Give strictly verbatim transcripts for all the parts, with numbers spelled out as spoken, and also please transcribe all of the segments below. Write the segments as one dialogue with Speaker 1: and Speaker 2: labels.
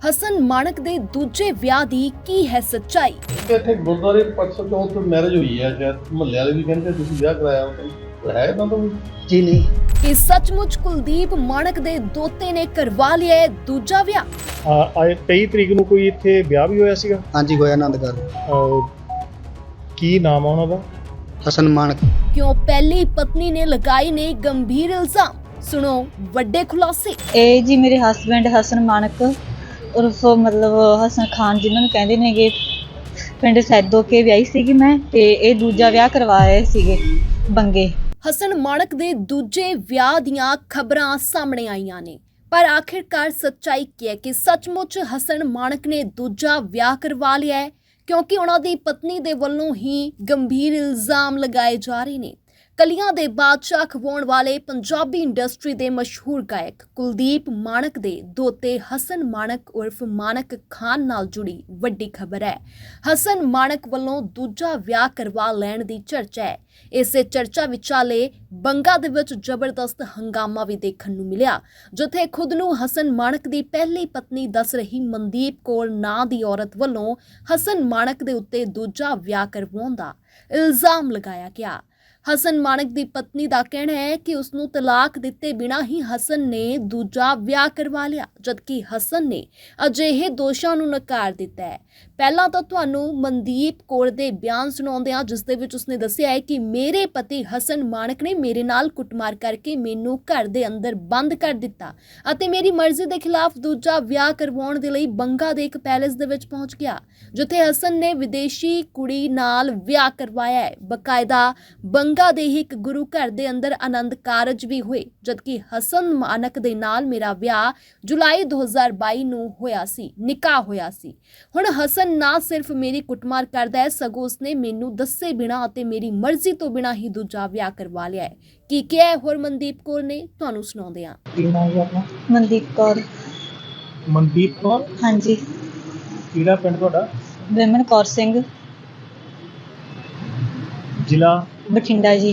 Speaker 1: ਹਸਨ ਮਾਣਕ ਦੇ ਦੂਜੇ ਵਿਆਹ ਦੀ ਕੀ ਹੈ ਸੱਚਾਈ?
Speaker 2: ਇੱਥੇ ਗੁਰਦੁਆਰੇ ਪਰਸੋਂ ਚੌਥ ਮੈਰਿਜ ਹੋਈ ਹੈ, ਸ਼ਾਇਦ ਮੁਹੱਲੇ ਵਾਲੇ ਵੀ ਕਹਿੰਦੇ ਤੁਸੀਂ ਵਿਆਹ ਕਰਾਇਆ ਉਹ ਹੈ ਤਾਂ ਤਾਂ
Speaker 3: ਜੀ ਨਹੀਂ।
Speaker 1: ਕਿ ਸੱਚਮੁੱਚ ਕੁਲਦੀਪ ਮਾਣਕ ਦੇ ਦੋਤੇ ਨੇ ਕਰਵਾ ਲਿਆ ਹੈ ਦੂਜਾ ਵਿਆਹ।
Speaker 4: ਆ ਤੇਈ ਤਰੀਕ ਨੂੰ ਕੋਈ ਇੱਥੇ ਵਿਆਹ ਵੀ ਹੋਇਆ ਸੀਗਾ।
Speaker 3: ਹਾਂਜੀ ਹੋਇਆ ਆਨੰਦਗੜ੍ਹ।
Speaker 4: ਕੀ ਨਾਮ ਆ ਉਹਨਾਂ ਦਾ?
Speaker 3: ਹਸਨ ਮਾਣਕ।
Speaker 1: ਕਿਉਂ ਪਹਿਲੀ ਪਤਨੀ ਨੇ ਲਗਾਏ ਨੇ ਗੰਭੀਰ ਇਲਜ਼ਾਮ? ਸੁਣੋ ਵੱਡੇ ਖੁਲਾਸੇ।
Speaker 5: ਇਹ ਜੀ ਮੇਰੇ ਹਸਬੈਂਡ ਹਸਨ ਮਾਣਕ ਉਰਫ ਮਤਲਬ ਹਸਨ ਖਾਨ ਜਿਨ੍ਹਾਂ ਨੂੰ ਕਹਿੰਦੇ ਨੇਗੇ, ਪਿੰਡ ਸੈਦੋ ਕੇ ਵਿਆਹੀ ਸੀਗੀ ਮੈਂ, ਤੇ ਇਹ ਦੂਜਾ ਵਿਆਹ ਕਰਵਾ ਰਹੇ ਸੀਗੇ ਬੰਗੇ।
Speaker 1: ਹਸਨ ਮਾਣਕ ਦੇ ਦੂਜੇ ਵਿਆਹ ਦੀਆਂ ਖਬਰਾਂ ਸਾਹਮਣੇ ਆਈਆਂ ਨੇ, ਪਰ ਆਖਿਰਕਾਰ ਸੱਚਾਈ ਕੀ ਹੈ ਕਿ ਸੱਚਮੁੱਚ ਹਸਨ ਮਾਣਕ ਨੇ ਦੂਜਾ ਵਿਆਹ ਕਰਵਾ ਲਿਆ ਹੈ? ਕਿਉਂਕਿ ਉਹਨਾਂ ਦੀ ਪਤਨੀ ਦੇ ਵੱਲੋਂ ਹੀ ਗੰਭੀਰ ਇਲਜ਼ਾਮ ਲਗਾਏ ਜਾ ਰਹੇ ਨੇ। ਕਲੀਆਂ ਦੇ ਬਾਦਸ਼ਾਹ ਖਵਾਉਣ ਵਾਲੇ ਪੰਜਾਬੀ ਇੰਡਸਟਰੀ ਦੇ ਮਸ਼ਹੂਰ ਗਾਇਕ ਕੁਲਦੀਪ ਮਾਣਕ ਦੇ ਦੋਤੇ ਹਸਨ ਮਾਣਕ ਉਰਫ ਮਾਣਕ ਖਾਨ ਨਾਲ ਜੁੜੀ ਵੱਡੀ ਖਬਰ ਹੈ। ਹਸਨ ਮਾਣਕ ਵੱਲੋਂ ਦੂਜਾ ਵਿਆਹ ਕਰਵਾ ਲੈਣ ਦੀ ਚਰਚਾ ਹੈ। ਇਸੇ ਚਰਚਾ ਵਿਚਾਲੇ ਬੰਗਾ ਦੇ ਵਿੱਚ ਜ਼ਬਰਦਸਤ ਹੰਗਾਮਾ ਵੀ ਦੇਖਣ ਨੂੰ ਮਿਲਿਆ, ਜਿੱਥੇ ਖੁਦ ਨੂੰ ਹਸਨ ਮਾਣਕ ਦੀ ਪਹਿਲੀ ਪਤਨੀ ਦੱਸ ਰਹੀ ਮਨਦੀਪ ਕੌਰ ਨਾਂ ਦੀ ਔਰਤ ਵੱਲੋਂ ਹਸਨ ਮਾਣਕ ਦੇ ਉੱਤੇ ਦੂਜਾ ਵਿਆਹ ਕਰਵਾਉਣ ਦਾ ਇਲਜ਼ਾਮ ਲਗਾਇਆ ਗਿਆ। ਹਸਨ ਮਾਣਕ ਦੀ ਪਤਨੀ ਦਾ ਕਹਿਣਾ ਹੈ ਕਿ ਉਸ ਨੂੰ ਤਲਾਕ ਦਿੱਤੇ ਬਿਨਾਂ ਹੀ ਹਸਨ ਨੇ ਦੂਜਾ ਵਿਆਹ ਕਰਵਾ ਲਿਆ, ਜਦਕਿ ਹਸਨ ਨੇ ਅਜਿਹੇ ਦੋਸ਼ਾਂ ਨੂੰ ਨਕਾਰ ਦਿੱਤਾ ਹੈ। ਪਹਿਲਾਂ ਤਾਂ ਤੁਹਾਨੂੰ ਮਨਦੀਪ ਕੌਰ ਦੇ ਬਿਆਨ ਸੁਣਾਉਂਦੇ ਹਾਂ, ਜਿਸ ਦੇ ਵਿੱਚ ਉਸਨੇ ਦੱਸਿਆ ਹੈ ਕਿ ਮੇਰੇ ਪਤੀ ਹਸਨ ਮਾਣਕ ਨੇ ਮੇਰੇ ਨਾਲ ਕੁੱਟਮਾਰ ਕਰਕੇ ਮੈਨੂੰ ਘਰ ਦੇ ਅੰਦਰ ਬੰਦ ਕਰ ਦਿੱਤਾ ਅਤੇ ਮੇਰੀ ਮਰਜ਼ੀ ਦੇ ਖਿਲਾਫ ਦੂਜਾ ਵਿਆਹ ਕਰਵਾਉਣ ਦੇ ਲਈ ਬੰਗਾ ਦੇ ਇੱਕ ਪੈਲੇਸ ਦੇ ਵਿੱਚ ਪਹੁੰਚ ਗਿਆ, ਜਿੱਥੇ ਹਸਨ ਨੇ ਵਿਦੇਸ਼ੀ ਕੁੜੀ ਨਾਲ ਵਿਆਹ ਕਰਵਾਇਆ ਹੈ। ਬਕਾਇਦਾ ਬੰਗਾ ਦੇ ਹੀ ਇੱਕ ਗੁਰੂ ਘਰ ਦੇ ਅੰਦਰ ਆਨੰਦ ਕਾਰਜ ਵੀ ਹੋਏ, ਜਦਕਿ ਹਸਨ ਮਾਣਕ ਦੇ ਨਾਲ ਮੇਰਾ ਵਿਆਹ ਜੁਲਾਈ ਦੋ ਹਜ਼ਾਰ ਬਾਈ ਨੂੰ ਹੋਇਆ ਸੀ, ਨਿਕਾਹ ਹੋਇਆ ਸੀ। ਹੁਣ ਹਸਨ ਨਾ ਸਿਰਫ ਮੇਰੀ ਕੁੱਟਮਾਰ ਕਰਦਾ ਹੈ, ਸਗੋਂ ਉਸਨੇ ਮੈਨੂੰ ਦੱਸੇ ਬਿਨਾਂ ਅਤੇ ਮੇਰੀ ਮਰਜ਼ੀ ਤੋਂ ਬਿਨਾਂ ਹੀ ਦੂਜਾ ਵਿਆਹ ਕਰਵਾ ਲਿਆ ਹੈ। ਕੀ ਕਿਹਾ ਹੋਰ ਮਨਦੀਪ ਕੌਰ ਨੇ, ਤੁਹਾਨੂੰ ਸੁਣਾਉਂਦੇ ਹਾਂ।
Speaker 4: ਕੀ ਨਾਮ ਹੈ ਆਪਣਾ?
Speaker 5: ਮਨਦੀਪ ਕੌਰ।
Speaker 4: ਮਨਦੀਪ ਕੌਰ।
Speaker 5: ਹਾਂਜੀ।
Speaker 4: ਕਿਹੜਾ ਪਿੰਡ ਤੁਹਾਡਾ?
Speaker 5: ਵਿਮਨ ਕੌਰ ਸਿੰਘ,
Speaker 4: ਜ਼ਿਲ੍ਹਾ
Speaker 5: ਬਠਿੰਡਾ ਜੀ।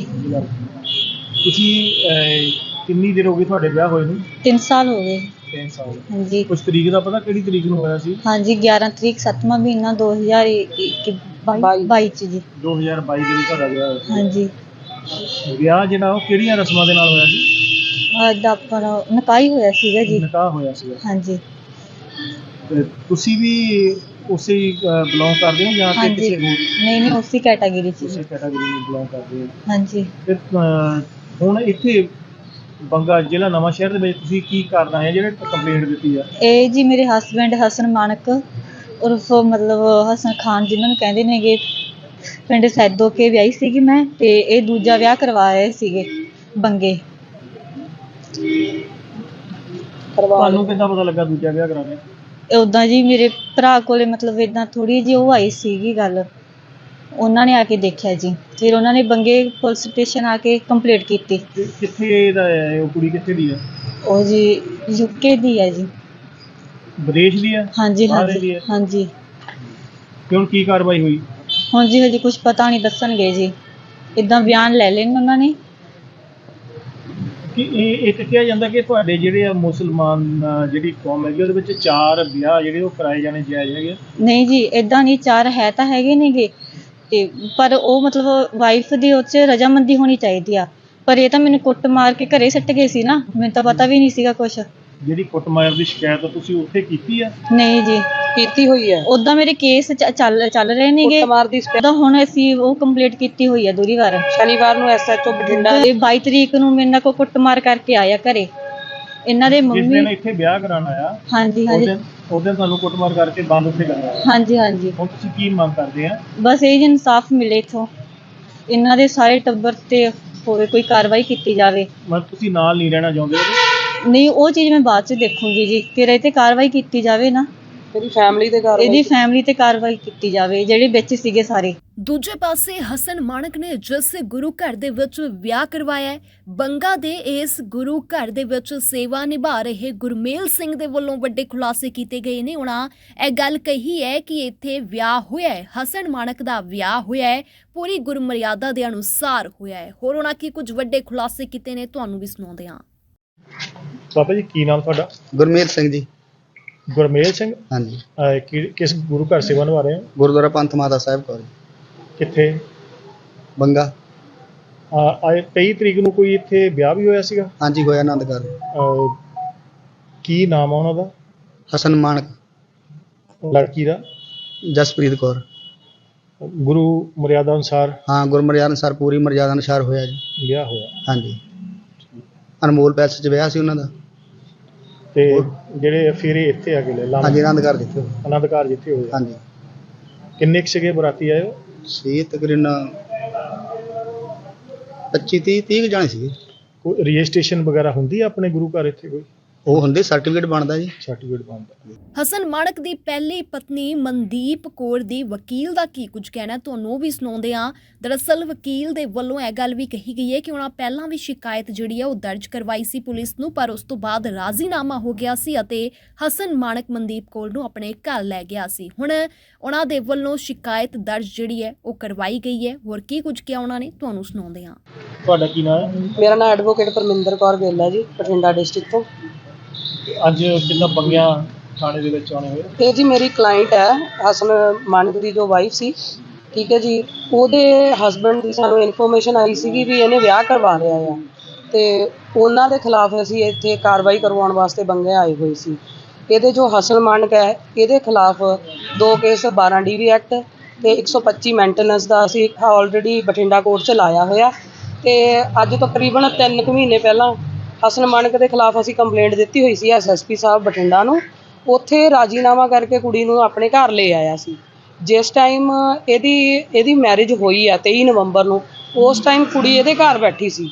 Speaker 4: ਤੁਸੀਂ ਕਿੰਨੀ ਦੇਰ ਹੋ ਗਈ ਤੁਹਾਡੇ ਵਿਆਹ ਹੋਏ ਨੂੰ?
Speaker 5: ਤਿੰਨ ਸਾਲ ਹੋ ਗਏ।
Speaker 4: ਤਿੰਨ ਸਾਲ।
Speaker 5: ਹਾਂਜੀ।
Speaker 4: ਕੁਝ ਤਰੀਕ ਦਾ ਪਤਾ ਕਿਹੜੀ ਤਰੀਕ ਨੂੰ ਹੋਇਆ ਸੀ?
Speaker 5: ਹਾਂਜੀ ਗਿਆਰਾਂ ਤਰੀਕ ਸੱਤਵਾਂ ਮਹੀਨਾ ਦੋ ਹਜ਼ਾਰ ਬਾਈ ਚ ਜੀ।
Speaker 4: ਦੋ ਹਜ਼ਾਰ ਬਾਈ ਦੇ ਵਿੱਚ ਤੁਹਾਡਾ ਵਿਆਹ ਹੋਇਆ ਸੀ।
Speaker 5: ਹਾਂਜੀ।
Speaker 4: ਵਿਆਹ ਜਿਹੜਾ ਉਹ ਕਿਹੜੀਆਂ ਰਸਮਾਂ ਦੇ ਨਾਲ ਹੋਇਆ ਸੀ?
Speaker 5: ਅੱਜ ਆਪਣਾ ਨਿਕਾਹ ਹੀ ਹੋਇਆ ਸੀਗਾ ਜੀ।
Speaker 4: ਨਿਕਾਹ ਹੋਇਆ ਸੀਗਾ।
Speaker 5: ਹਾਂਜੀ।
Speaker 4: ਤੇ ਤੁਸੀਂ ਵੀ ਉਸੇ ਬਿਲੋਂਗ ਕਰਦੇ ਹੋ ਜਾਂ ਕਿ
Speaker 5: ਹਾਂਜੀ।
Speaker 4: ਕਿਸੇ ਹੋਰ
Speaker 5: ਨਹੀਂ ਨਹੀਂ ਉਸੇ ਕੈਟਾਗਰੀ ਚ
Speaker 4: ਉਸੇ
Speaker 5: ਜੀ।
Speaker 4: ਕੈਟਾਗਰੀ ਨੂੰ ਬਿਲੋਂਗ ਕਰਦੇ ਹੋ?
Speaker 5: ਹਾਂਜੀ।
Speaker 4: ਤੇ ਅਹ, ਹੁਣ ਇੱਥੇ ਬੰਗਾ ਜ਼ਿਲ੍ਹਾ ਨਵਾਂ ਸ਼ਹਿਰ ਦੇ ਵਿੱਚ ਤੁਸੀਂ ਕੀ ਕਰਨਾ ਹੈ ਜਿਹੜੇ ਕੰਪਲੇਂਟ ਦਿੱਤੀ ਆ?
Speaker 5: ਇਹ ਜੀ ਮੇਰੇ ਹਸਬੈਂਡ ਹਸਨ ਮਾਣਕ ਉਰਫ ਮਤਲਬ ਹਸਨ ਖਾਨ ਜਿਨ੍ਹਾਂ ਨੂੰ ਕਹਿੰਦੇ ਨੇਗੇ, ਪਿੰਡ ਸੈਦੋ ਕੇ ਵਿਆਹੀ ਸੀਗੀ ਮੈਂ, ਤੇ ਇਹ ਦੂਜਾ ਵਿਆਹ ਕਰਵਾ ਰਹੇ ਸੀਗੇ ਬੰਗੇ।
Speaker 4: ਤੁਹਾਨੂੰ ਕਿੱਦਾਂ ਪਤਾ ਲੱਗਾ ਦੂਜਾ ਵਿਆਹ ਕਰਾਉਣਾ?
Speaker 5: ਉੱਦਾਂ ਜੀ ਮੇਰੇ ਭਰਾ ਕੋਲੇ ਮਤਲਬ ਇੱਦਾਂ ਥੋੜ੍ਹੀ ਜਿਹੀ ਉਹ ਆਈ ਸੀਗੀ ਗੱਲ, ਉਹਨਾਂ ਨੇ ਆ ਕੇ ਦੇਖਿਆ ਜੀ, ਫਿਰ ਉਹਨਾਂ ਨੇ ਬੰਗੇ ਪੁਲਿਸ ਸਟੇਸ਼ਨ ਆ ਕੇ ਕੰਪਲੇਂਟ ਕੀਤੀ।
Speaker 4: ਕਿ- ਕਿੱਥੇ ਦਾ ਹੈ ਉਹ ਕੁੜੀ? ਕਿੱਥੇ ਦੀ ਹੈ?
Speaker 5: ਉਹ ਜੀ ਯੂਕੇ ਦੀ ਹੈ ਜੀ।
Speaker 4: ਵਿਦੇਸ਼ ਦੀ ਹੈ?
Speaker 5: ਹਾਂਜੀ
Speaker 4: ਬਾਹਰ ਦੀ
Speaker 5: ਹਾਂਜੀ
Speaker 4: ਹੈ?
Speaker 5: ਹਾਂਜੀ।
Speaker 4: ਕਿ ਹੁਣ ਕੀ ਕਾਰਵਾਈ ਹੋਈ?
Speaker 5: ਹੁਣ ਜੀ ਹਜੇ ਕੁਝ ਪਤਾ ਨਹੀਂ, ਦੱਸਣਗੇ ਜੀ। ਇੱਦਾਂ ਬਿਆਨ ਲੈ ਲੈਣ ਉਹਨਾਂ ਨੇ।
Speaker 4: ਕਿ ਇਹ ਇੱਕ ਕਿਹਾ ਜਾਂਦਾ ਕਿ ਤੁਹਾਡੇ ਜਿਹੜੇ ਆ ਮੁਸਲਮਾਨ ਅਹ, ਜਿਹੜੀ ਕੌਮ ਹੈਗੀ ਉਹਦੇ ਵਿੱਚ ਚਾਰ ਵਿਆਹ ਜਿਹੜੇ ਉਹ ਕਰਾਏ ਜਾਣੇ ਜਾਇਜ਼ ਹੈਗੇ?
Speaker 5: ਨਹੀਂ ਜੀ ਇੱਦਾਂ ਨਹੀਂ, ਚਾਰ ਹੈ ਤਾਂ ਹੈਗੇ ਨੇਗੇ, ਤੇ ਪਰ ਉਹ ਮਤਲਬ ਵਾਈਫ ਦੀ ਉਹ 'ਚ ਰਜਾਮੰਦੀ ਹੋਣੀ ਚਾਹੀਦੀ ਆ। ਪਰ ਇਹ ਤਾਂ ਮੈਨੂੰ ਕੁੱਟ ਮਾਰ ਕੇ ਘਰੇ ਸੱਟ ਗਏ ਸੀ ਨਾ, ਮੈਨੂੰ ਤਾਂ ਪਤਾ ਵੀ ਨਹੀਂ ਸੀਗਾ ਕੁਛ।
Speaker 4: ਜਿਹੜੀ ਕੁੱਟਮਾਰ ਦੀ ਸ਼ਿਕਾਇਤ ਤੁਸੀਂ ਉੱਥੇ ਕੀਤੀ ਆ?
Speaker 5: ਨਹੀਂ ਜੀ
Speaker 3: ਕੀਤੀ ਹੋਈ ਹੈ।
Speaker 5: ਉਦਾਂ ਮੇਰੇ ਕੇਸ ਚ- ਚੱਲ ਚੱਲ ਰਹੇ ਨੇਗੇ।
Speaker 3: ਕੁੱਟਮਾਰ ਦੀ
Speaker 5: ਤਾਂ ਹੁਣ ਅਸੀਂ ਉਹ ਕੰਪਲੀਟ ਕੀਤੀ ਹੋਈ ਹੈ ਦੂਰੀ ਵਾਰ।
Speaker 3: ਸ਼ਨੀਵਾਰ ਨੂੰ ਐਸਐਚਓ ਬਠਿੰਡਾ
Speaker 5: ਤੇ ਬਾਈ ਤਰੀਕ ਨੂੰ ਮੇਰੇ ਨਾਲ ਕੋ ਕੁੱਟਮਾਰ ਕਰਕੇ ਆਇਆ ਘਰੇ ਇਹਨਾਂ ਦੇ
Speaker 4: ਜਿਸ
Speaker 5: ਮੰਮੀ।
Speaker 4: ਦਿਨ ਇੱਥੇ ਵਿਆਹ ਕਰਾਉਣ ਆਇਆ
Speaker 5: ਹਾਂਜੀ
Speaker 4: ਉਸ
Speaker 5: ਹਾਂਜੀ
Speaker 4: ਦਿਨ ਉਸ ਦਿਨ ਤੁਹਾਨੂੰ ਕੁੱਟਮਾਰ ਕਰਕੇ ਬੰਦ ਉੱਥੇ ਕਰਨਾ ਆਇਆ।
Speaker 5: ਹਾਂਜੀ ਹਾਂਜੀ।
Speaker 4: ਹੁਣ ਤੁਸੀਂ ਕੀ ਮੰਗ ਕਰਦੇ ਆ?
Speaker 5: ਬਸ ਇਹ ਜੀ ਇਨਸਾਫ ਮਿਲੇ ਇੱਥੋਂ, ਇਹਨਾਂ ਦੇ ਸਾਰੇ ਟੱਬਰ ਤੇ ਹੋਰ ਕੋਈ ਕਾਰਵਾਈ ਕੀਤੀ ਜਾਵੇ।
Speaker 4: ਮਤਲਬ ਤੁਸੀਂ ਨਾਲ ਨਹੀਂ ਰਹਿਣਾ ਚਾਹੁੰਦੇ ਹੋ?
Speaker 5: ਨਹੀਂ ਉਹ ਚੀਜ਼ ਮੈਂ ਬਾਅਦ ਚ ਦੇਖੂੰਗੀ ਜੀ, ਫਿਰ ਇਹ ਤੇ ਕਾਰਵਾਈ ਕੀਤੀ ਜਾਵੇ ਨਾ,
Speaker 3: ਇਹਦੀ ਫੈਮਿਲੀ ਦੇ ਘਰ
Speaker 5: ਇਹਦੀ ਫੈਮਿਲੀ ਤੇ ਕਾਰਵਾਈ ਕੀਤੀ ਜਾਵੇ ਜਿਹੜੇ ਵਿੱਚ ਸੀਗੇ ਸਾਰੇ।
Speaker 1: ਦੂਜੇ ਪਾਸੇ ਹਸਨ ਮਾਣਕ ਨੇ ਜਿਸ ਗੁਰੂ ਘਰ ਦੇ ਵਿੱਚ ਵਿਆਹ ਕਰਵਾਇਆ ਹੈ, ਬੰਗਾ ਦੇ ਇਸ ਗੁਰੂ ਘਰ ਦੇ ਵਿੱਚ ਸੇਵਾ ਨਿਭਾ ਰਹੇ ਗੁਰਮੇਲ ਸਿੰਘ ਦੇ ਵੱਲੋਂ ਵੱਡੇ ਖੁਲਾਸੇ ਕੀਤੇ ਗਏ ਨੇ। ਉਹਨਾਂ ਇਹ ਗੱਲ ਕਹੀ ਹੈ ਕਿ ਇੱਥੇ ਵਿਆਹ ਹੋਇਆ ਹੈ, ਹਸਨ ਮਾਣਕ ਦਾ ਵਿਆਹ ਹੋਇਆ ਹੈ, ਪੂਰੀ ਗੁਰਮਰਿਆਦਾ ਦੇ ਅਨੁਸਾਰ ਹੋਇਆ ਹੈ। ਹੋਰ ਉਹਨਾਂ ਕੀ ਕੁਝ ਵੱਡੇ ਖੁਲਾਸੇ ਕੀਤੇ ਨੇ, ਤੁਹਾਨੂੰ ਵੀ ਸੁਣਾਉਂਦੇ ਹਾਂ।
Speaker 4: ਬਾਬਾ ਜੀ ਕੀ ਨਾਮ ਤੁਹਾਡਾ?
Speaker 3: ਗੁਰਮੇਲ ਸਿੰਘ ਜੀ।
Speaker 4: ਗੁਰਮੇਲ ਸਿੰਘ
Speaker 3: ਹਾਂਜੀ
Speaker 4: ਅਹ, ਕਿ- ਕਿਸ ਗੁਰੂ ਘਰ ਸੇਵਾ ਨਿਭਾ ਰਹੇ ਹੋ?
Speaker 3: ਗੁਰਦੁਆਰਾ ਪੰਥ ਮਾਤਾ ਸਾਹਿਬ ਕੌਰ
Speaker 4: ਕਿੱਥੇ?
Speaker 3: ਬੰਗਾ।
Speaker 4: ਅਹ, ਆਏ ਤੇਈ ਤਰੀਕ ਨੂੰ ਕੋਈ ਇੱਥੇ ਵਿਆਹ ਵੀ ਹੋਇਆ ਸੀਗਾ।
Speaker 3: ਹਾਂਜੀ ਹੋਇਆ ਆਨੰਦਗੜ੍ਹ।
Speaker 4: ਅਹ, ਕੀ ਨਾਮ ਆ ਉਹਨਾਂ ਦਾ?
Speaker 3: ਹਸਨ ਮਾਨਕ,
Speaker 4: ਲੜਕੀ ਦਾ?
Speaker 3: ਜਸਪ੍ਰੀਤ ਕੌਰ।
Speaker 4: ਗੁਰੂ ਮਰਿਆਦਾ ਅਨੁਸਾਰ
Speaker 3: ਹਾਂ ਗੁਰਮਰਿਆਦ ਅਨੁਸਾਰ ਪੂਰੀ ਮਰਿਆਦਾ ਅਨੁਸਾਰ ਹੋਇਆ ਜੀ।
Speaker 4: ਵਿਆਹ ਹੋਇਆ।
Speaker 3: ਹਾਂਜੀ ਅਨਮੋਲ ਪੈਲਸ 'ਚ ਵਿਆਹ ਸੀ ਉਹਨਾਂ ਦਾ।
Speaker 4: ਤੇ ਜਿਹੜੇ ਫੇਰੇ ਇੱਥੇ ਆ ਕੇ ਲੈ
Speaker 3: ਹਾਂਜੀ ਆਨੰਦਗੜ੍ਹ ਜਿੱਥੇ ਹੋਇਆ।
Speaker 4: ਆਨੰਦ ਘਰ ਜਿੱਥੇ ਹੋਇਆ।
Speaker 3: ਹਾਂਜੀ
Speaker 4: ਕਿੰਨੇ ਕੁ ਸੀਗੇ ਬਰਾਤੀ ਆਏ ਹੋ?
Speaker 3: ਸੀ ਤਕਰੀਬਨ ਪੱਚੀ ਤੀਹ ਤੀਹ ਕੁ ਜਾਣੇ ਸੀਗੇ।
Speaker 4: ਕੋਈ ਰਜਿਸਟ੍ਰੇਸ਼ਨ ਵਗੈਰਾ ਹੁੰਦੀ ਆ ਆਪਣੇ ਗੁਰੂ ਘਰ ਇੱਥੇ? ਕੋਈ
Speaker 3: ਉਹ ਹੁੰਦੇ ਸਰਟੀਫਿਕੇਟ ਬਣਦਾ ਜੀ।
Speaker 4: ਸਰਟੀਫਿਕੇਟ ਬਣਦਾ।
Speaker 1: ਹਸਨ ਮਾਣਕ ਦੀ ਪਹਿਲੀ ਪਤਨੀ ਮਨਦੀਪ ਕੌਰ ਦੀ ਵਕੀਲ ਦਾ ਕੀ ਕੁਝ ਕਹਿਣਾ ਤੁਹਾਨੂੰ ਉਹ ਵੀ ਸੁਣਾਉਂਦੇ ਹਾਂ। ਦਰਅਸਲ ਵਕੀਲ ਦੇ ਵੱਲੋਂ ਇਹ ਗੱਲ ਵੀ ਕਹੀ ਗਈ ਹੈ ਕਿ ਉਹਨਾਂ ਪਹਿਲਾਂ ਵੀ ਸ਼ਿਕਾਇਤ ਜਿਹੜੀ ਹੈ ਉਹ ਦਰਜ ਕਰਵਾਈ ਸੀ ਪੁਲਿਸ ਨੂੰ, ਪਰ ਉਸ ਤੋਂ ਬਾਅਦ ਰਾਜ਼ੀਨਾਮਾ ਹੋ ਗਿਆ ਸੀ ਅਤੇ ਹਸਨ ਮਾਣਕ ਮਨਦੀਪ ਕੌਰ ਨੂੰ ਆਪਣੇ ਘਰ ਲੈ ਗਿਆ ਸੀ। ਹੁਣ ਉਹਨਾਂ ਦੇ ਵੱਲੋਂ ਸ਼ਿਕਾਇਤ ਦਰਜ ਜਿਹੜੀ ਹੈ ਉਹ ਕਰਵਾਈ ਗਈ ਹੈ। ਹੋਰ ਕੀ ਕੁਝ ਕਿਹਾ ਉਹਨਾਂ ਨੇ ਤੁਹਾਨੂੰ ਸੁਣਾਉਂਦੇ ਹਾਂ।
Speaker 4: ਤੁਹਾਡਾ ਕੀ ਨਾਮ ਹੈ?
Speaker 3: ਮੇਰਾ ਨਾਮ ਐਡਵੋਕੇਟ ਪਰਮਿੰਦਰ ਕੌਰ ਗਿੱਲ ਹੈ ਜੀ, ਬਠਿੰਡਾ ਡਿਸਟ੍ਰਿਕਟ ਤੋਂ।
Speaker 4: ਅੱਜ ਕਿੰਨਾ ਬੰਗਿਆ ਥਾਣੇ ਦੇ ਵਿੱਚ ਆਉਣੇ ਹੋਏ?
Speaker 3: ਇਹ ਜੀ ਮੇਰੀ ਕਲਾਇੰਟ ਹੈ ਹਸਨ ਮਾਨਕ ਦੀ ਜੋ ਵਾਈਫ ਸੀ, ਠੀਕ ਹੈ ਜੀ। ਉਹਦੇ ਹਸਬੈਂਡ ਦੀ ਸਾਨੂੰ ਇਨਫੋਰਮੇਸ਼ਨ ਆਈ ਸੀਗੀ ਵੀ ਇਹਨੇ ਵਿਆਹ ਕਰਵਾ ਲਿਆ ਆ, ਤੇ ਉਹਨਾਂ ਦੇ ਖਿਲਾਫ ਅਸੀਂ ਇੱਥੇ ਕਾਰਵਾਈ ਕਰਵਾਉਣ ਵਾਸਤੇ ਬੰਗੇ ਆਏ ਹੋਏ ਸੀ। ਇਹਦੇ ਜੋ ਹਸਨ ਮਾਨਕ ਹੈ ਇਹਦੇ ਖਿਲਾਫ ਦੋ ਕੇਸ ਬਾਰਾਂ ਡੀ ਵੀ ਐਕਟ ਤੇ ਇੱਕ ਸੌ ਪੱਚੀ ਮੈਂਟੇਨੈਂਸ ਦਾ ਅਸੀਂ ਆਲਰੇਡੀ ਬਠਿੰਡਾ ਕੋਰਟ 'ਚ ਲਾਇਆ ਹੋਇਆ। ਤੇ ਅੱਜ ਤਕਰੀਬਨ ਤਿੰਨ ਕੁ ਮਹੀਨੇ ਪਹਿਲਾਂ ਹਸਨ ਮਾਨਕ ਦੇ ਖਿਲਾਫ ਅਸੀਂ ਕੰਪਲੇਂਟ ਦਿੱਤੀ ਹੋਈ ਸੀ ਐਸ ਐਸ ਪੀ ਸਾਹਿਬ ਬਠਿੰਡਾ ਨੂੰ। ਉੱਥੇ ਰਾਜ਼ੀਨਾਮਾ ਕਰਕੇ ਕੁੜੀ ਨੂੰ ਆਪਣੇ ਘਰ ਲੈ ਆਇਆ ਸੀ। ਜਿਸ ਟਾਈਮ ਇਹਦੀ ਇਹਦੀ ਮੈਰਿਜ ਹੋਈ ਆ ਤੇਈ ਨਵੰਬਰ ਨੂੰ, ਉਸ ਟਾਈਮ ਕੁੜੀ ਇਹਦੇ ਘਰ ਬੈਠੀ ਸੀ।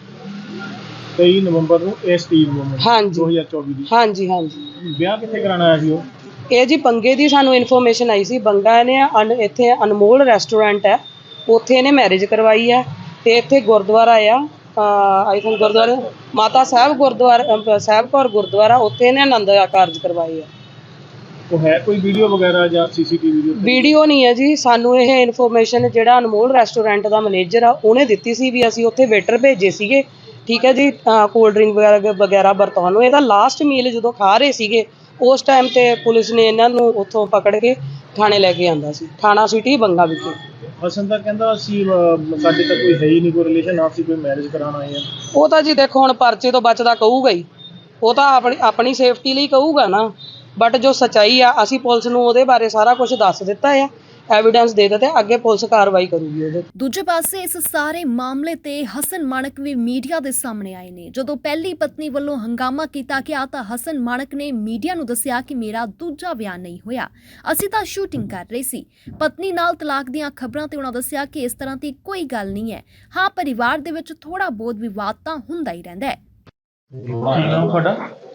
Speaker 4: ਤੇਈ ਨਵੰਬਰ ਨੂੰ ਇਸ ਤੀਹ ਨਵੰਬਰ
Speaker 3: ਹਾਂਜੀ
Speaker 4: ਦੋ ਹਜ਼ਾਰ ਚੌਵੀ ਦੀ।
Speaker 3: ਹਾਂਜੀ ਹਾਂਜੀ
Speaker 4: ਵਿਆਹ ਕਿੱਥੇ ਕਰਾਉਣਾ ਆਇਆ ਸੀ ਉਹ?
Speaker 3: ਇਹ ਜੀ ਬੰਗੇ ਦੀ ਸਾਨੂੰ ਇਨਫੋਰਮੇਸ਼ਨ ਆਈ ਸੀ। ਬੰਗਾ ਨੇ ਅਨ ਇੱਥੇ ਅਨਮੋਲ ਰੈਸਟੋਰੈਂਟ ਹੈ, ਉੱਥੇ ਇਹਨੇ ਮੈਰਿਜ ਕਰਵਾਈ ਹੈ। ਤੇ ਇੱਥੇ ਗੁਰਦੁਆਰਾ ਆ ਆਈ ਥਿੰਕ ਗੁਰਦੁਆਰਾ ਮਾਤਾ ਸਾਹਿਬ ਗੁਰਦੁਆਰਾ ਸਾਹਿਬ ਕੌਰ ਗੁਰਦੁਆਰਾ, ਉੱਥੇ ਇਹਨੇ ਆਨੰਦ ਕਾਰਜ ਕਰਵਾਏ ਆ।
Speaker 4: ਉਹ ਹੈ ਕੋਈ ਵੀਡੀਓ ਵਗੈਰਾ ਜਾਂ ਸੀਸੀਟੀਵੀ ਵੀਡੀਓ?
Speaker 3: ਵੀਡੀਓ ਨਹੀਂ ਹੈ ਜੀ, ਸਾਨੂੰ ਇਹ ਇਨਫੋਰਮੇਸ਼ਨ ਜਿਹੜਾ ਅਨਮੋਲ ਰੈਸਟੋਰੈਂਟ ਦਾ ਮੈਨੇਜਰ ਆ ਉਹਨੇ ਦਿੱਤੀ ਸੀ ਵੀ ਅਸੀਂ ਉੱਥੇ ਵੇਟਰ ਭੇਜੇ ਸੀਗੇ, ਠੀਕ ਹੈ ਜੀ, ਕੋਲਡ ਡਰਿੰਕ ਵਗੈਰਾ ਵਗੈਰਾ ਵਰਤਾਉਣ ਨੂੰ। ਇਹਦਾ ਲਾਸਟ ਮੀਲ ਜਦੋਂ ਖਾ ਰਹੇ ਸੀਗੇ ਉਸ ਟਾਈਮ ਤੇ ਪੁਲਿਸ ਨੇ ਇਹਨਾਂ ਨੂੰ ਉੱਥੋਂ ਪਕੜ ਕੇ ਥਾਣੇ ਲੈ ਕੇ ਆਂਦਾ ਸੀ, ਥਾਣਾ ਸਿਟੀ ਬੰਗਾ ਵਿਖੇ।
Speaker 4: ਹਸਨ ਤਾਂ ਕਹਿੰਦਾ ਅਸੀਂ ਸਾਡੇ ਤਾਂ ਕੋਈ ਹੈ ਹੀ ਨਹੀਂ ਕੋਈ ਰਿਲੇਸ਼ਨ, ਆਪਸੀ ਕੋਈ ਮੈਰਿਜ ਕਰਾਉਣ ਆਏ ਆ।
Speaker 3: ਉਹ ਤਾਂ ਜੀ ਦੇਖੋ ਹੁਣ ਪਰਚੇ ਤੋਂ ਬਚਦਾ ਕਹੂਗਾ ਹੀ, ਉਹ ਤਾਂ ਆਪਣੀ ਆਪਣੀ ਸੇਫਟੀ ਲਈ ਕਹੂਗਾ ਨਾ, ਬਟ ਜੋ ਸੱਚਾਈ ਆ ਅਸੀਂ ਪੁਲਿਸ ਨੂੰ ਉਹਦੇ ਬਾਰੇ ਸਾਰਾ ਕੁਝ ਦੱਸ ਦਿੱਤਾ ਆ, ਐਵੀਡੈਂਸ ਦੇ ਦਿੱਤੇ, ਅੱਗੇ ਪੁਲਿਸ ਕਾਰਵਾਈ ਕਰੂਗੀ ਉਹਦੇ।
Speaker 1: ਦੂਜੇ ਪਾਸੇ ਇਸ ਸਾਰੇ ਮਾਮਲੇ ਤੇ ਹਸਨ ਮਾਣਕ ਵੀ ਮੀਡੀਆ ਦੇ ਸਾਹਮਣੇ ਆਏ ਨੇ। ਜਦੋਂ ਪਹਿਲੀ ਪਤਨੀ ਵੱਲੋਂ ਹੰਗਾਮਾ ਕੀਤਾ ਗਿਆ ਤਾਂ ਹਸਨ ਮਾਣਕ ਨੇ ਮੀਡੀਆ ਨੂੰ ਦੱਸਿਆ ਕਿ ਮੇਰਾ ਦੂਜਾ ਵਿਆਹ ਨਹੀਂ ਹੋਇਆ, ਅਸੀਂ ਤਾਂ ਸ਼ੂਟਿੰਗ ਕਰ ਰਹੇ ਸੀ। ਪਤਨੀ ਨਾਲ ਤਲਾਕ ਦੀਆਂ ਖਬਰਾਂ ਤੇ ਉਹਨਾਂ ਦੱਸਿਆ ਕਿ ਇਸ ਤਰ੍ਹਾਂ ਦੀ ਕੋਈ ਗੱਲ ਨਹੀਂ ਹੈ। ਹਾਂ, ਪਰਿਵਾਰ ਦੇ ਵਿੱਚ ਥੋੜਾ ਬਹੁਤ ਵਿਵਾਦ ਤਾਂ ਹੁੰਦਾ ਹੀ ਰਹਿੰਦਾ ਹੈ।
Speaker 4: ਕੀ ਨਾਮ ਤੁਹਾਡਾ?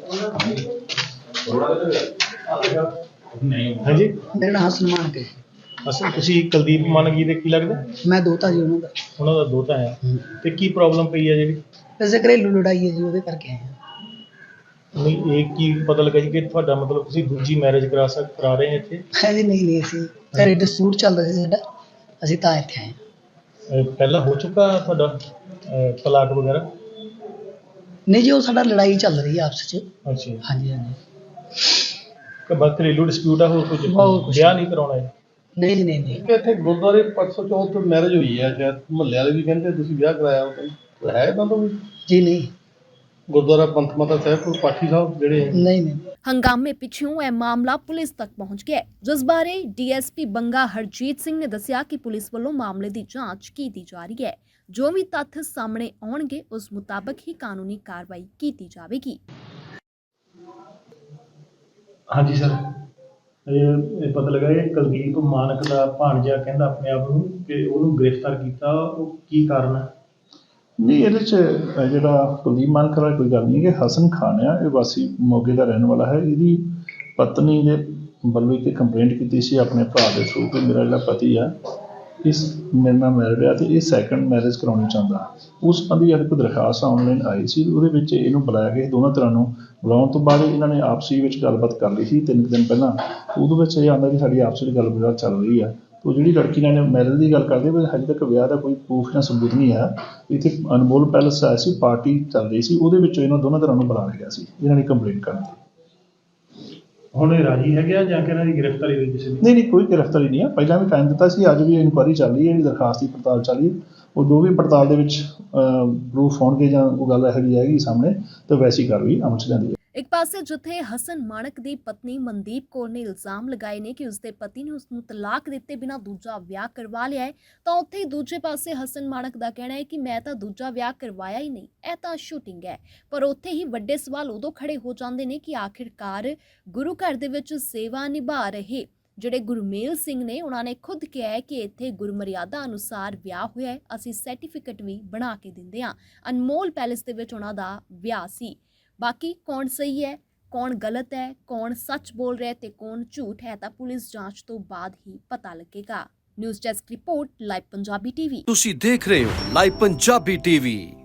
Speaker 4: ਹਾਂਜੀ
Speaker 3: ਮੇਰਾ ਨਾਮ ਹਸਨ ਮਾਨਕ ਹੈ।
Speaker 4: ਅਸਲ ਤੁਸੀਂ ਕੁਲਦੀਪ ਮਾਨਕ ਜੀ ਦੇ ਕੀ ਲੱਗਦਾ?
Speaker 3: ਮੈਂ ਦੋਤਾ ਜੀ ਉਹਨਾਂ ਦਾ।
Speaker 4: ਉਹਨਾਂ ਦਾ ਦੋਤਾ ਹੈ। ਤੇ ਕੀ ਪ੍ਰੋਬਲਮ ਪਈ ਹੈ ਜਿਹੜੀ?
Speaker 3: ਵੈਸੇ ਘਰੇਲੂ ਲੜਾਈ ਹੈ ਜੀ, ਉਹਦੇ ਕਰਕੇ ਆਏ ਹਾਂ।
Speaker 4: ਨਹੀਂ ਇਹ ਕੀ ਪਤਾ ਲੱਗਾ ਜੀ ਕਿ ਤੁਹਾਡਾ ਮਤਲਬ ਤੁਸੀਂ ਦੂਜੀ ਮੈਰਿਜ ਕਰਾ ਸਕ ਕਰਾ ਰਹੇ ਹੋ ਇੱਥੇ?
Speaker 3: ਹੈ ਜੀ ਨਹੀਂ ਨਹੀਂ ਅਸੀਂ ਘਰੇ ਡਿਸਪਿਊਟ ਚੱਲਦਾ ਸੀ ਸਾਡਾ, ਅਸੀਂ ਤਾਂ ਇੱਥੇ ਆਏ ਹਾਂ।
Speaker 4: ਅਹ ਪਹਿਲਾਂ ਹੋ ਚੁੱਕਾ ਤੁਹਾਡਾ ਅਹ ਤਲਾਕ ਵਗੈਰਾ?
Speaker 3: ਨਹੀਂ ਜੀ, ਉਹ ਸਾਡਾ ਲੜਾਈ ਚੱਲ ਰਹੀ ਹੈ ਆਪਸ 'ਚ।
Speaker 4: ਅੱਛਾ ਜੀ।
Speaker 3: ਹਾਂਜੀ ਹਾਂਜੀ।
Speaker 4: ਕਿ ਬਸ ਘਰੇਲੂ ਡਿਸਪਿਊਟ ਆ, ਹੋਰ ਕੁਝ
Speaker 3: ਹੋਰ ਕੁਛ
Speaker 4: ਵਿਆਹ ਨਹੀਂ ਕਰਾਉਣਾ ਹੈ?
Speaker 3: ਨਹੀਂ ਜੀ ਨਹੀਂ ਨਹੀਂ।
Speaker 2: ਇੱਥੇ ਗੁਰਦੁਆਰੇ ਪਰਸੋਂ ਚੌਥ ਮੈਰਿਜ ਹੋਈ ਹੈ, ਸ਼ਾਇਦ ਮੁਹੱਲੇ ਵਾਲੇ ਵੀ ਕਹਿੰਦੇ ਤੁਸੀਂ ਵਿਆਹ ਕਰਾਇਆ ਉਹ ਹੈ ਤਾਂ ਤੋਂ ਵੀ
Speaker 3: ਜੀ ਨਹੀਂ
Speaker 2: ਗੁਰਦੁਆਰਾ ਪੰਥ ਮਾਤਾ ਸਾਹਿਬ ਕੋਲ ਪਾਠੀ ਸਾਹਿਬ ਜਿਹੜੇ
Speaker 3: ਨਹੀਂ ਨਹੀਂ।
Speaker 1: ਹੰਗਾਮੇ ਪਿੱਛੋਂ ਇਹ ਮਾਮਲਾ ਪੁਲਿਸ ਤੱਕ ਪਹੁੰਚ ਗਿਆ, ਜਿਸ ਬਾਰੇ D S P Banga Harjit Singh ਨੇ ਦੱਸਿਆ ਕਿ ਪੁਲਿਸ ਵੱਲੋਂ ਮਾਮਲੇ ਦੀ ਜਾਂਚ ਕੀਤੀ ਜਾ ਰਹੀ ਹੈ। ਜੋ ਵੀ ਤੱਥ ਸਾਹਮਣੇ ਆਉਣਗੇ ਉਸ ਮੁਤਾਬਕ ਹੀ ਕਾਨੂੰਨੀ ਕਾਰਵਾਈ ਕੀਤੀ ਜਾਵੇਗੀ।
Speaker 4: ਹਾਂਜੀ ਸਰ, ਇਹ ਪਤਾ ਲੱਗਾ ਕਿ ਕੁਲਦੀਪ ਮਾਨਕ ਦਾ ਭਾਣਜਾ ਕਹਿੰਦਾ ਆਪਣੇ ਆਪ ਨੂੰ ਕਿ ਉਹਨੂੰ ਗ੍ਰਿਫਤਾਰ ਕੀਤਾ, ਉਹ ਕੀ ਕਾਰਨ ਹੈ?
Speaker 6: ਨਹੀਂ, ਇਹਦੇ 'ਚ ਜਿਹੜਾ ਕੁਲਦੀਪ ਮਾਨਕ ਦਾ ਕੋਈ ਗੱਲ ਨਹੀਂ ਕਿ ਹਸਨ ਖਾਨ ਆ, ਇਹ ਵਾਸੀ ਮੋਗੇ ਦਾ ਰਹਿਣ ਵਾਲਾ ਹੈ। ਇਹਦੀ ਪਤਨੀ ਨੇ ਵੱਲੋਂ ਇੱਕ ਕੰਪਲੇਂਟ ਕੀਤੀ ਸੀ ਆਪਣੇ ਭਰਾ ਦੇ ਥਰੂ ਕਿ ਮੇਰਾ ਜਿਹੜਾ ਪਤੀ ਆ ਇਸ ਮੇਰੇ ਨਾਲ ਮੈਰਿਡ ਆ ਅਤੇ ਇਹ ਸੈਕੰਡ ਮੈਰਿਜ ਕਰਾਉਣੀ ਚਾਹੁੰਦਾ। ਉਸ ਸੰਬੰਧੀ ਇੱਕ ਦਰਖਾਸਤ ਆਨਲਾਈਨ ਆਈ ਸੀ, ਉਹਦੇ ਵਿੱਚ ਇਹਨੂੰ ਬੁਲਾਇਆ ਗਿਆ। ਦੋਨਾਂ ਤਰ੍ਹਾਂ ਨੂੰ ਬੁਲਾਉਣ ਤੋਂ ਬਾਅਦ ਇਹਨਾਂ ਨੇ ਆਪਸੀ ਵਿੱਚ ਗੱਲਬਾਤ ਕਰ ਲਈ ਸੀ ਤਿੰਨ ਕੁ ਦਿਨ ਪਹਿਲਾਂ। ਉਹਦੇ ਵਿੱਚ ਇਹ ਆਉਂਦਾ ਕਿ ਸਾਡੀ ਆਪਸ ਵਿੱਚ ਗੱਲਬਾਤ ਚੱਲ ਰਹੀ ਆ। ਉਹ ਜਿਹੜੀ ਲੜਕੀ ਨਾਲ ਮੈਰਿਜ ਦੀ ਗੱਲ ਕਰਦੇ ਪਰ ਹਜੇ ਤੱਕ ਵਿਆਹ ਦਾ ਕੋਈ ਪ੍ਰੂਫ ਜਾਂ ਸਬੂਤ ਨਹੀਂ ਆ। ਇੱਥੇ ਅਨਮੋਲ ਪੈਲਸ ਆਇਆ ਸੀ, ਪਾਰਟੀ ਚੱਲ ਰਹੀ ਸੀ, ਉਹਦੇ ਵਿੱਚੋਂ ਇਹਨਾਂ ਦੋਨਾਂ ਤਰ੍ਹਾਂ ਨੂੰ ਬੁਲਾ ਲਿਆ ਸੀ ਇਹਨਾਂ ਨੇ ਕੰਪਲੇਂਟ ਕਰਨ ਦੀ।
Speaker 4: ਹੁਣ ਇਹ ਰਾਜੀ ਹੈਗੇ ਆ ਜਾਂ ਕਿ ਇਹਨਾਂ ਦੀ ਗ੍ਰਿਫਤਾਰੀ ਹੋਈ ਕਿਸੇ ਦੀ?
Speaker 6: ਨਹੀਂ ਨਹੀਂ ਕੋਈ ਗ੍ਰਿਫਤਾਰੀ ਨਹੀਂ ਆ, ਪਹਿਲਾਂ ਵੀ ਟਾਈਮ ਦਿੱਤਾ ਸੀ, ਅੱਜ ਵੀ ਇਨਕੁਆਇਰੀ ਚੱਲ ਰਹੀ ਹੈ, ਜਿਹੜੀ ਦਰਖਾਸਤ ਦੀ ਪੜਤਾਲ ਚੱਲ ਰਹੀ ਹੈ। ਉਹ ਜੋ ਵੀ ਪੜਤਾਲ ਦੇ ਵਿੱਚ ਪ੍ਰੂਫ ਹੋਣਗੇ ਜਾਂ ਕੋਈ ਗੱਲ ਇਹੋ ਜਿਹੀ ਆਏਗੀ ਸਾਹਮਣੇ ਤਾਂ ਵੈਸੀ ਕਾਰਵਾਈ ਅਮਲ 'ਚ ਲਿਆਂਦੀ ਹੈ।
Speaker 1: ਇੱਕ ਪਾਸੇ ਜਿੱਥੇ ਹਸਨ ਮਾਣਕ ਦੀ ਪਤਨੀ ਮਨਦੀਪ ਕੌਰ ਨੇ ਇਲਜ਼ਾਮ ਲਗਾਏ ਨੇ ਕਿ ਉਸਦੇ ਪਤੀ ਨੇ ਉਸ ਨੂੰ ਤਲਾਕ ਦਿੱਤੇ ਬਿਨਾਂ ਦੂਜਾ ਵਿਆਹ ਕਰਵਾ ਲਿਆ ਹੈ, ਤਾਂ ਉੱਥੇ ਹੀ ਦੂਜੇ ਪਾਸੇ ਹਸਨ ਮਾਣਕ ਦਾ ਕਹਿਣਾ ਹੈ ਕਿ ਮੈਂ ਤਾਂ ਦੂਜਾ ਵਿਆਹ ਕਰਵਾਇਆ ਹੀ ਨਹੀਂ, ਇਹ ਤਾਂ ਸ਼ੂਟਿੰਗ ਹੈ। ਪਰ ਉੱਥੇ ਹੀ ਵੱਡੇ ਸਵਾਲ ਉਦੋਂ ਖੜੇ ਹੋ ਜਾਂਦੇ ਨੇ ਕਿ ਆਖਿਰਕਾਰ ਗੁਰੂ ਘਰ ਦੇ ਵਿੱਚ ਸੇਵਾ ਨਿਭਾ ਰਹੇ ਜਿਹੜੇ ਗੁਰਮੇਲ ਸਿੰਘ ਨੇ, ਉਹਨਾਂ ਨੇ ਖੁਦ ਕਿਹਾ ਹੈ ਕਿ ਇੱਥੇ ਗੁਰਮਰਿਆਦਾ ਅਨੁਸਾਰ ਵਿਆਹ ਹੋਇਆ ਹੈ, ਅਸੀਂ ਸਰਟੀਫਿਕੇਟ ਵੀ ਬਣਾ ਕੇ ਦਿੰਦੇ ਹਾਂ। ਅਨਮੋਲ ਪੈਲੇਸ ਦੇ ਵਿੱਚ ਉਹਨਾਂ ਦਾ ਵਿਆਹ ਸੀ। ਬਾਕੀ ਕੌਣ ਸਹੀ ਹੈ, ਕੌਣ ਗਲਤ ਹੈ, ਕੌਣ ਸੱਚ ਬੋਲ ਰਿਹਾ ਤੇ ਕੌਣ ਝੂਠ ਹੈ, ਤਾਂ ਪੁਲਿਸ ਜਾਂਚ ਤੋਂ ਬਾਅਦ ਹੀ ਪਤਾ ਲੱਗੇਗਾ। News desk report, live Punjabi TV.
Speaker 7: ਤੁਸੀਂ ਦੇਖ ਰਹੇ ਹੋ ਲਾਈਵ ਪੰਜਾਬੀ ਟੀਵੀ।